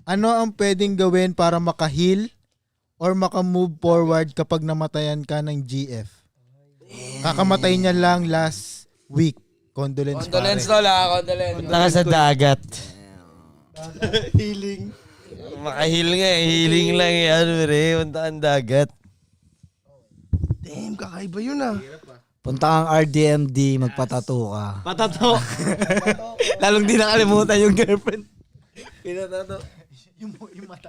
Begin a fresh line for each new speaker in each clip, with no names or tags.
Ano ang pwedeng gawin para maka-heal or maka-move forward kapag namatayan ka ng GF? Kakamatay niya lang last week. Condolence
Condolence
pare.
tol ha, condolence.
Punta ka sa dagat.
Healing.
Makahil nga eh. Healing lang eh. Ano re, punta ang dagat.
Damn, kakaiba yun ah.
Punta kang RDMD, magpatato ka.
Patato. Lalong di nakalimutan yung girlfriend.
Pinatato.
Yung mata.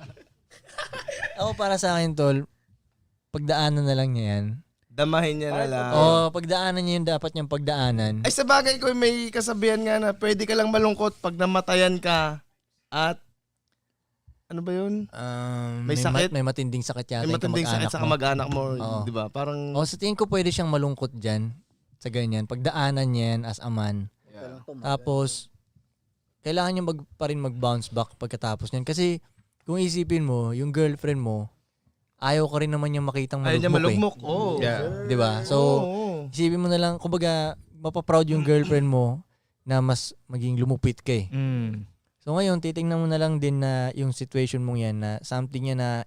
Ako para sa akin tol, pagdaanan na lang niya yan.
Damahin niya na lang.
Oo, pagdaanan niya yung dapat niyang pagdaanan.
Ay sa bagay ko may kasabihan nga na pwede ka lang malungkot pag namatayan ka at ano ba yun? May sakit?
May matinding sakit yata
May
yung
matinding sakit sa kamag-anak mo,
Oo.
di ba? Parang
Sa tingin ko pwede siyang malungkot dyan sa ganyan. Pagdaanan niya yan as a man. Tapos, kailangan niya pa rin mag-bounce back pagkatapos niyan. Kasi, kung isipin mo, yung girlfriend mo, ayaw ka rin naman niyang makitang
ayaw niya
malugmok
malugmok. Oh.
eh. Diba? So,
Oo.
isipin mo na lang, kumbaga, mapaproud yung girlfriend mo na mas maging lumupit ka eh. So ngayon, titingnan mo na lang din na yung situation mong yan na something yan na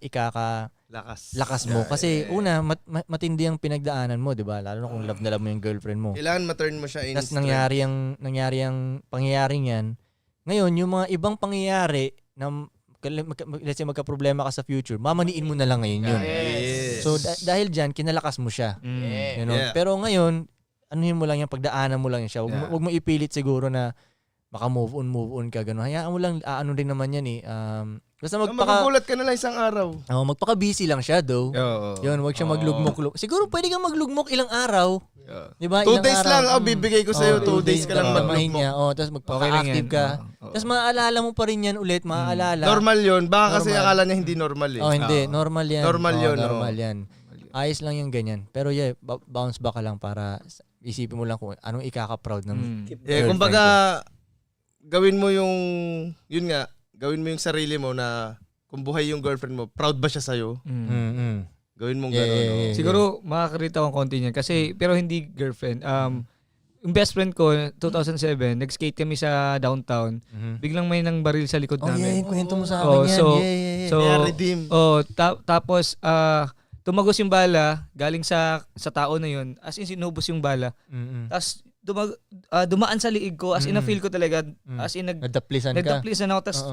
lakas mo. Kasi una, matindi ang pinagdaanan mo, di ba? Lalo na kung love na love mo yung girlfriend mo.
Kailangan ma-turn mo siya in
Tapos nangyari ang pangyayaring yan. Ngayon, yung mga ibang pangyayari na let's say magka-problema ka sa future, mamaniin mo na lang ngayon yun.
Yes.
So dahil dyan, kinalakas mo siya. You know?
Yeah.
Pero ngayon, anuhin mo lang yan, pagdaanan mo lang yan siya. Huwag mo ipilit siguro na maka-move on ka, gano'n. Hayaan mo lang, ano din naman yan eh. Basta
Magugulat ka na lang isang araw.
magpaka-busy lang siya though. Yun, huwag siya maglugmok. Siguro pwede kang maglugmok ilang araw. Di ba?
2 days lang, bibigay ko sa'yo. 2 days ka lang
Damahin
maglugmok.
niya. Tapos magpaka-active ka. Tapos maaalala mo pa rin yan ulit, maaalala.
Normal yun. Baka kasi
Normal.
akala niya hindi normal eh.
Hindi. Normal yan.
Normal yun,
Normal yan. Ayos lang yung ganyan. Pero yeah, bounce back ka lang para isipin mo lang kung anong ikaka-proud ng girlfriend
Kumbaga,
ko.
gawin mo yung, yun nga, gawin mo yung sarili mo na kung buhay yung girlfriend mo, proud ba siya sa'yo? Gawin mong gano'n. no?
Siguro makakarita akong konti niyan kasi pero hindi girlfriend. Yung best friend ko 2007, nag-skate kami sa downtown. Biglang may nang baril sa likod
Oh yeah,
namin.
yung kwento mo sa akin yan. Yeah.
So
Kaya redeem.
tapos tumagos yung bala galing sa tao na yun. As in sinubos yung bala. Tapos dumaan sa liig ko as in na-feel ko talaga as in
Nagdaplisan ka.
nagdaplisan ako tapos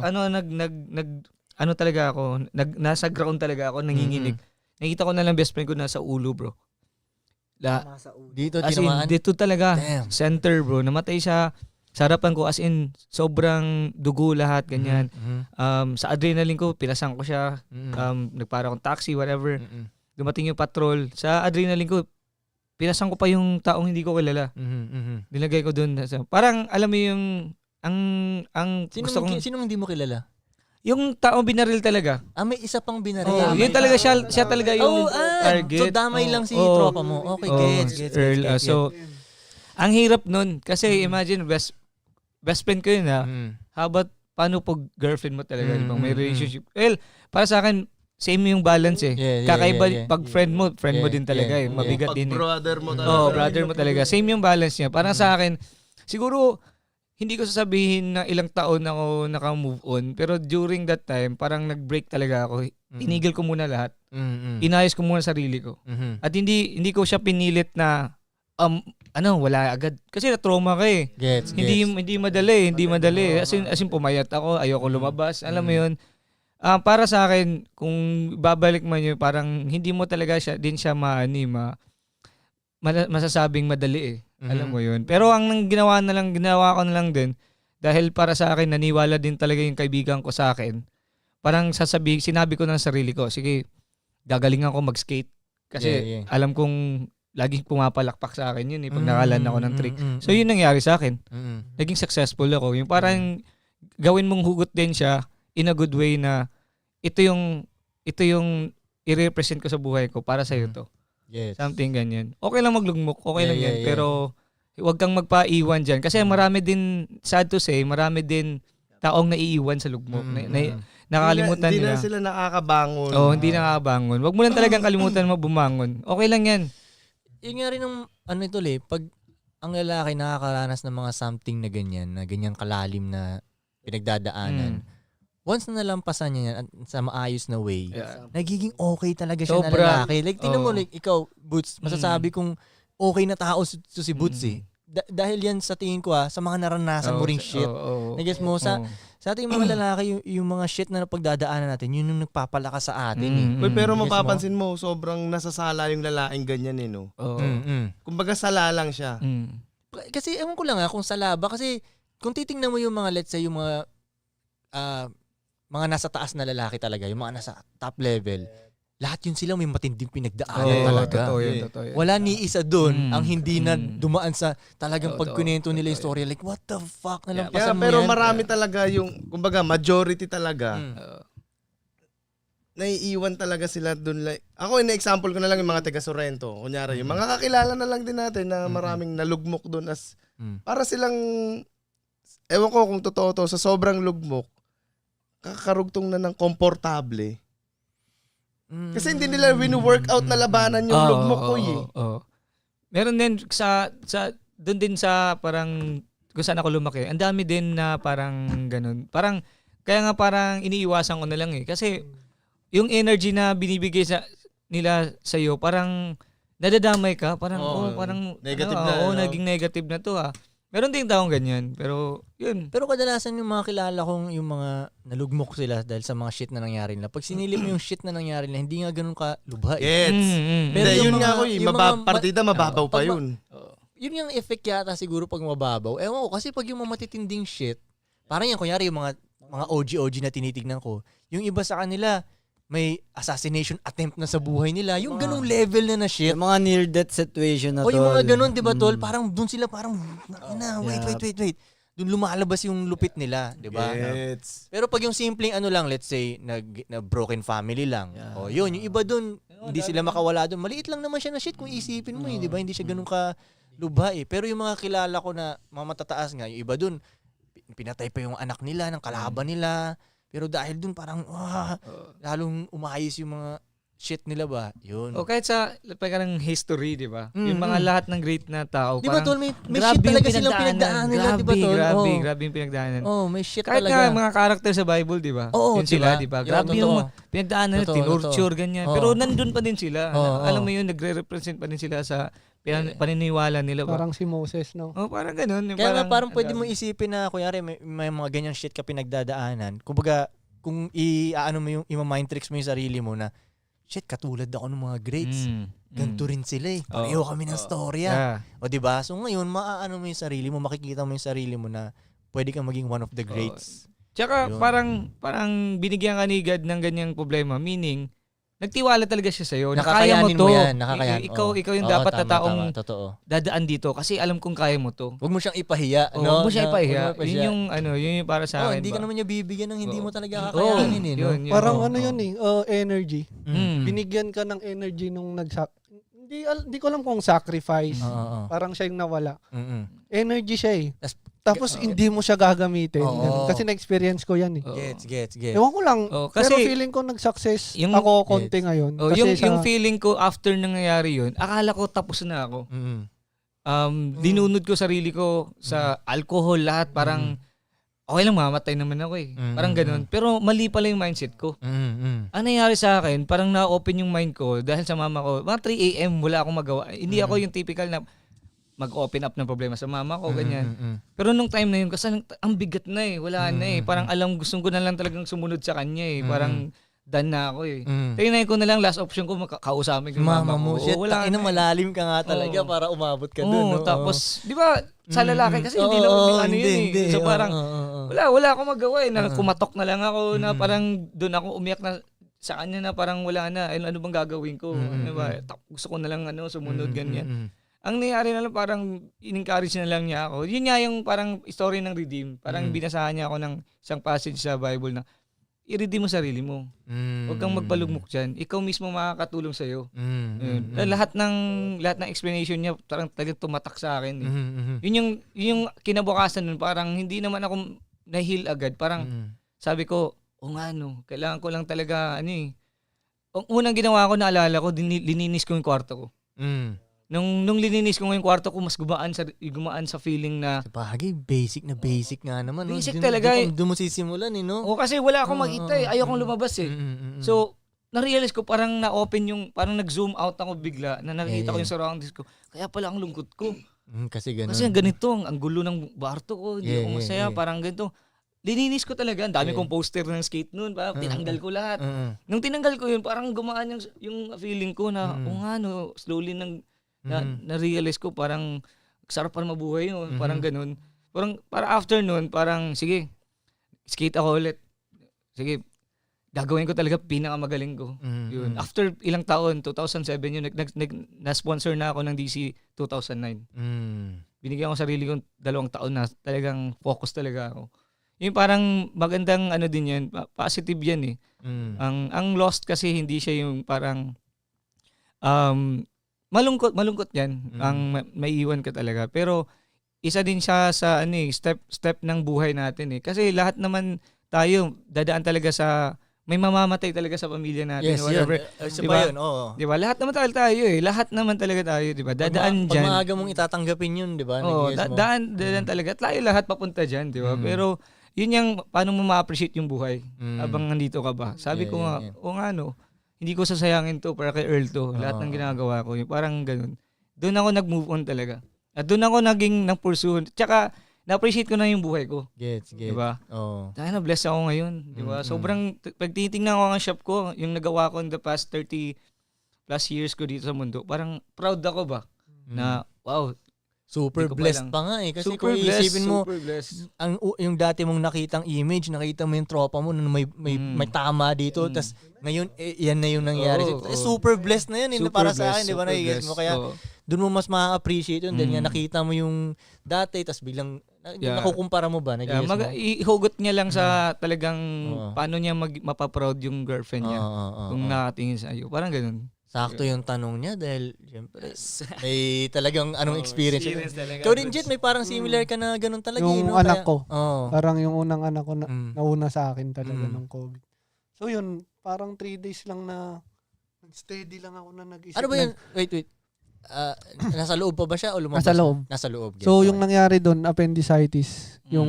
ano talaga ako nasa ground talaga ako nanginginig. Nakita ko na lang best friend ko nasa ulo, bro.
Dito,
As in,
tinamaan.
dito talaga.
Damn.
Center, bro. Namatay siya sa harapan ko. As in, sobrang dugo lahat, ganyan. Sa adrenaline ko, pilasan ko siya. Nagpara akong taxi, whatever. Dumating yung patrol. Sa adrenaline ko, pilasan ko pa yung taong hindi ko kilala. Nilagay ko dun. Parang, alam mo yung, ang gusto kong...
Sinong hindi mo kilala?
Yung taong binaril talaga.
May isa pang binaril.
Yun talaga siya talaga yung target.
So damay lang si tropa mo. Okay, gets.
Earl. So, ang hirap nun. Kasi imagine, best friend ko yun ha. How about, paano pag girlfriend mo talaga? Di ba? May relationship. Well, para sa akin, same yung balance eh. Kakaiba, pag friend mo din talaga eh. Mabigat din eh.
Brother mo talaga.
Brother mo talaga. Same yung balance niya. Parang sa akin, siguro, hindi ko sasabihin na ilang taon ako naka-move on. Pero during that time, parang nag-break talaga ako. Tinigil ko muna lahat. Inayos ko muna sarili ko. At hindi ko siya pinilit na wala agad. Kasi na-trauma ka eh.
Gets.
Hindi madali. As in pumayat ako, ayoko lumabas. Alam mo 'yun. Para sa akin, kung babalik man yun, parang hindi mo talaga masasabing madali eh. Alam mo yun. Pero ang ginawa ko na lang din, dahil para sa akin, naniwala din talaga yung kaibigan ko sa akin. Parang sinabi ko ng sarili ko, sige, gagalingan ko mag-skate. Kasi alam kong laging pumapalakpak sa akin yun eh, pag nakalan ako ng trick. So yun nangyari sa akin. Naging successful ako. Yung parang gawin mong hugot din siya in a good way na ito yung i-represent ko sa buhay ko para sa'yo to.
Yes.
Something ganyan. Okay lang maglugmok, okay lang yan. Pero huwag kang magpaiwan dyan. Kasi marami din, sad to say, marami din taong naiiwan sa lugmok. Nakakalimutan
Hindi
nila.
na sila nakakabangon.
Hindi nakakabangon. Huwag mo lang talagang kalimutan mo bumangon. Okay lang yan.
Yun nga rin ang pag ang lalaki nakakaranas ng mga something na ganyan, na ganyang kalalim na pinagdadaanan, once na nalampasan niya yan at sa maayos na way,
Yeah.
nagiging okay talaga siya na
Sobra.
lalaki. Like, tingnan mo,
Oo.
like, ikaw, Boots, masasabi kong okay na tao si Boots eh. Dahil yan sa tingin ko sa mga naranasan mo ring shit. Nag-guess mo, sa ating mga lalaki, yung mga shit na napagdadaanan natin, yun yung nagpapalakas sa atin eh.
Uy, pero
Yes,
mapapansin mo, sobrang nasasala yung lalaking ganyan eh, no? Kumbaga sala lang siya.
Kasi ewan ko lang kung sala ba, kasi kung titingnan mo yung mga, let's say, yung mga nasa taas na lalaki talaga, yung mga nasa top level, lahat yun sila may matinding pinagdaanan talaga.
Totoo yun.
Wala ni isa doon ang hindi na
Mm.
dumaan sa talagang
Totoo.
pagkunento nila yung story. Like, what the fuck?
Yeah,
Nalampasan mo
pero
yan.
marami talaga yung, kumbaga, majority talaga, naiiwan talaga sila dun. Like, ako, ina-example ko na lang yung mga taga Sorrento. Kunyari, yung mga kakilala na lang din natin na maraming nalugmok dun as, para silang, ewan ko kung totoo to, sa sobrang lugmok, kakarugtong na ng komportable. Kasi hindi nila winu-workout na labanan yung lugmok ko eh.
Meron din doon din sa parang kung saan ako lumaki. Ang dami din na parang ganun. Parang kaya nga parang iniiwasan ko na lang eh kasi yung energy na binibigay nila sa iyo parang nadadamay ka, parang parang
negative
naging negative na to. Meron din taong ganyan, pero yun.
Pero kadalasan yung mga kilala kong yung mga nalugmok sila dahil sa mga shit na nangyari nila. Pag sinilip mo yung shit na nangyari nila, hindi nga ganun ka lubha eh.
Gets.
Pero
Hindi,
yung
yun
mga-
nga ako eh.
yung mga-
Partida mababaw pa
pag-
yun.
Yun yung effect yata siguro pag mababaw. Ewan ko, kasi pag yung mga matitinding shit, parang yan, kunyari yung mga OG na tinitignan ko, yung iba sa kanila, may assassination attempt na sa buhay nila. Yung ganung level na shit.
Yung mga near-death situation na
O yung mga
tol.
ganun, di ba, tol? Parang dun sila parang, wait. Dun lumalabas yung lupit nila, di ba?
Gets.
Pero pag yung simpleng ano lang, let's say, na broken family lang. O yun, yung iba dun, hindi sila makawala dun. Maliit lang naman siya na shit kung isipin mo, di ba? Hindi siya ganun ka lubha eh. Pero yung mga kilala ko na mga matataas nga, yung iba dun, pinatay pa yung anak nila, ng kalaban nila. Pero dahil dun parang, lalong umayos yung mga shit nila ba? Yun.
O kahit sa parang history, di ba? Yung mga lahat ng great na tao.
Di ba,
parang
tol? May
grabe
shit talaga
yung
silang pinagdaanan nila, di ba, tol?
Grabe yung pinagdaanan.
Oh, may shit
Kahit
talaga.
nga mga character sa Bible, di ba?
Oo,
Yun sila,
diba?
di ba?
Yun,
Grabe yung
totoo.
pinagdaanan nila,
Totoo,
tinurture, ganyan.
Oo.
Pero nandun pa din sila.
Oo,
Alam
oo.
mo yun, nagre-represent pa din sila sa paniniwala nila ba?
Parang si Moses, no?
Oh, parang ganun. Yung
Kaya nga parang
ang
pwede
dami.
mo isipin na, kunyari, may mga ganyang shit ka pinagdadaanan. Kumbaga, kung i-ano mo yung ima-mind tricks mo yung sarili mo na, shit, katulad ako ng mga greats. Ganito rin sila eh. Pareho kami ng storya.
Yeah.
O diba? So ngayon, maaano mo yung sarili mo, makikita mo yung sarili mo na pwede kang maging one of the greats.
Tsaka
Yun.
parang binigyan ka ni God ng ganyang problema. Meaning, nagtiwala talaga siya sa'yo. Na kaya mo
Nakakayanin
to.
mo yan. Nakakayanin.
Ikaw yung
Oo,
dapat na
tama,
taong
tama. Totoo.
dadaan dito kasi alam kong kaya mo to.
Huwag mo siyang ipahiya.
Oh,
no?
huwag mo siya ipahiya.
Huwag mo
Yun yung yun yung para sa akin.
hindi
ba?
ka naman niya bibigyan ng hindi
Oo.
mo talaga kakayanin eh. No?
Yun.
Parang
Oo.
ano yun eh, energy.
Mm.
Binigyan ka ng energy nung hindi ko alam kung sacrifice.
Oo.
Parang siya yung nawala.
Mm-mm.
Energy siya eh.
Oh.
Tapos hindi mo siya gagamitin.
Oo.
Ganun. Kasi na-experience ko yan eh.
Oo.
Gets.
Ewan ko lang.
Oo,
pero
kasi
feeling ko nag-success
yung-
ako konti ngayon.
Oh,
Kasi
yung feeling ko after nangyayari yun, akala ko tapos na ako.
Mm-mm.
Dinunod ko sarili ko sa alcohol lahat. Parang okay lang, mamatay naman ako eh. Parang ganun. Pero mali pala yung mindset ko.
Mm-mm.
Ang nangyari sa akin, parang na-open yung mind ko dahil sa mama ko. Mga 3 a.m. wala akong magawa. Hindi ako yung typical na mag-open up ng problema sa mama ko, ganyan.
Mm-mm.
Pero nung time na yun, kasi ang bigat na eh. Wala na eh. Parang gusto ko na lang talagang sumunod sa kanya eh. Parang done na ako eh. Tingnan ko na lang, last option ko, kausapin ko yung
Mama mo,
ko.
shit,
Oo, wala
ina,
na eh.
malalim ka nga talaga
Oo.
para umabot ka
Oo,
dun. No?
tapos, di ba, sa lalaki kasi hindi naman ano yun eh. So parang, wala akong magawa eh. Kumatok na lang ako na parang doon ako umiyak na sa kanya na parang wala na. Ano bang gagawin ko? Ano ba? Gusto ko na lang sumunod, ganyan. Ang nangyari na lang parang in-encourage na lang niya ako. Yun nga yung parang story ng redeem. Parang binasahan niya ako ng isang passage sa Bible na i-redeem mo sarili mo. Huwag kang magpalugmok dyan. Ikaw mismo makakatulong sa'yo. Yun. Lahat ng explanation niya parang talagang tumatak sa akin. Eh. Yun yung kinabukasan nun. Parang hindi naman ako na-heal agad. Parang sabi ko, kailangan ko lang talaga, Ang unang ginawa ko, naalala ko, lininis ko yung kwarto ko. Nung lininis ko ngayong kwarto ko, mas gumaan sa feeling na
Bagay, basic nga naman. no?
Basic
Dun-
talaga
dun- Dun mo sisimulan no?
o kasi wala akong makita eh. Ayaw kong lumabas eh. So, na-realize ko parang na-open parang nag-zoom out ako bigla na nakikita ko yung surroundings ko. Kaya pala ang lungkot ko.
Kasi ganun.
Kasi ganito, ang gulo ng barto ko, hindi ako masaya, parang ganito. Lininis ko talaga, ang dami kong poster ng skate noon, tinanggal ko lahat. Nung tinanggal ko yun, parang gumaan yung feeling ko na, slowly na-realize ko, parang sarap pa mabuhay yun, parang ganun. Parang after nun, parang sige, skate ako ulit. Sige, gagawin ko talaga pinakamagaling ko. Yun. After ilang taon, 2007 yun, na-sponsor na ako ng DC 2009. Binigyan ko sarili ko 2 taon na talagang focus talaga ako. Yung parang magandang din yan, positive yan eh. Ang Lost kasi hindi siya yung parang malungkot yan. Ang maiiwan ka talaga. Pero isa din siya sa step ng buhay natin eh. Kasi lahat naman tayo dadaan talaga sa may mamamatay talaga sa pamilya natin.
Yes,
whatever.
yun.
Diba?
Yun, oo.
Diba? Lahat naman tayo eh. Lahat naman talaga tayo, diba? Dadaan
Pag
dyan.
maaga mong itatanggapin yun, di ba?
Oo,
Nag-guess mo.
daan talaga. Tayo lahat papunta dyan, diba? Pero yun yung paano mo ma-appreciate yung buhay habang nandito ka ba. Sabi ko nga, hindi ko sasayangin to para kay Earl to. Lahat ng ginagawa ko, yung parang ganun. Doon ako nag-move on talaga. At doon ako naging nang-pursue. Tsaka, na-appreciate ko na yung buhay ko.
Gets.
Diba?
Oo.
Dahil na-bless ako ngayon. Diba? Sobrang, pag titingnan ko ang shop ko, yung nagawa ko in the past 30 plus years ko dito sa mundo, parang proud ako ba? Na, wow,
Super
Hindi ko pa
blessed
lang.
pa nga eh. Kasi
super
kung
blessed,
iisipin mo,
super blessed.
yung dati mong nakitang image, nakita mo yung tropa mo na may tama dito, tas ngayon, yan na yung nangyari.
Oo, oo.
Super blessed na yun,
Super
para sa
blessed,
akin, di ba?
super
Nagigets mo.
blessed.
Kaya,
Oo.
doon mo mas ma-appreciate yun. Dahil nga nakita mo yung dati, tas biglang,
Yeah.
nakukumpara mo ba? Nagigets mo?
Ihugot niya lang sa talagang
Oo.
paano niya mapaproud yung girlfriend niya kung nakatingin sa iyo. Parang ganun.
Sakto yung tanong niya dahil, syempre, may talagang anong experience.
talaga.
Ikaw din, Jet, may parang similar ka na ganun talaga.
Yung
no?
anak
Kaya-
ko.
Oo.
Parang yung unang anak ko na
Mm.
nauna sa akin talaga
Mm.
ng COVID. So yun, parang 3 days lang na steady lang ako na nag-isip.
Ano ba yun? Wait. Nasa loob pa ba siya o lumabas?
Nasa loob.
Nasa loob.
So
Gets.
yung nangyari doon, appendicitis, yung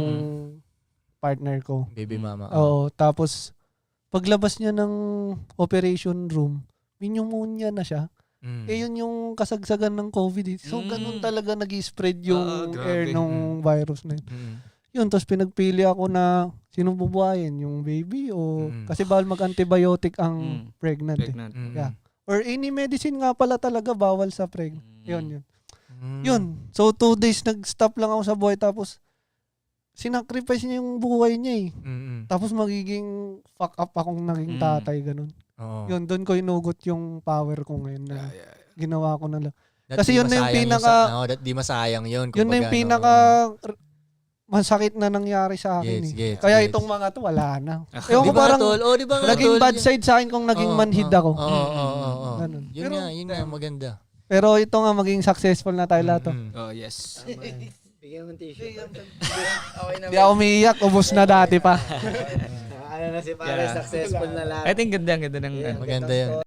partner ko.
Baby mama.
Oo, tapos paglabas niya ng operation room, pneumonia na siya.
Mm.
Eh yun yung kasagsagan ng COVID. Eh. So ganun talaga nag-spread yung
grabe.
air ng virus na yun.
Mm.
Yun, tapos pinagpili ako na sinong bubuhayin, yung baby o kasi bawal mag-antibiotic ang pregnant. Eh.
Pregnant.
Mm.
Yeah. Or any medicine nga pala talaga bawal sa pregnant. Yun.
Mm.
Yun. So 2 days nag-stop lang ako sa buhay tapos sinacrifice niya yung buhay niya eh.
Mm.
Tapos magiging fuck up akong naging tatay, ganun.
Oo.
Yun, doon ko inugot yung power ko ngayon na ginawa ko na lang.
That
Kasi
di
yun na yung
masayang
pinaka-
that di masayang yun.
Yun na yung
kumbaga,
pinaka masakit na nangyari sa akin
Gets,
eh.
gets,
Kaya
gets.
itong mga to, wala na.
Di
Ewan ko
ba,
parang
tol? Oh, di ba, nga,
naging
tol?
bad side sa akin kung naging manhid ako.
Oo.
Ganun.
Yun nga, maganda.
Pero ito nga, maging successful na tayo lahat.
Mm.
Oh, yes.
Bigyan mo ng tissue.
Hindi ako umiiyak, ubos na dati pa.
Ano na si pare, successful na lahat.
I think ganda ng
Maganda yun.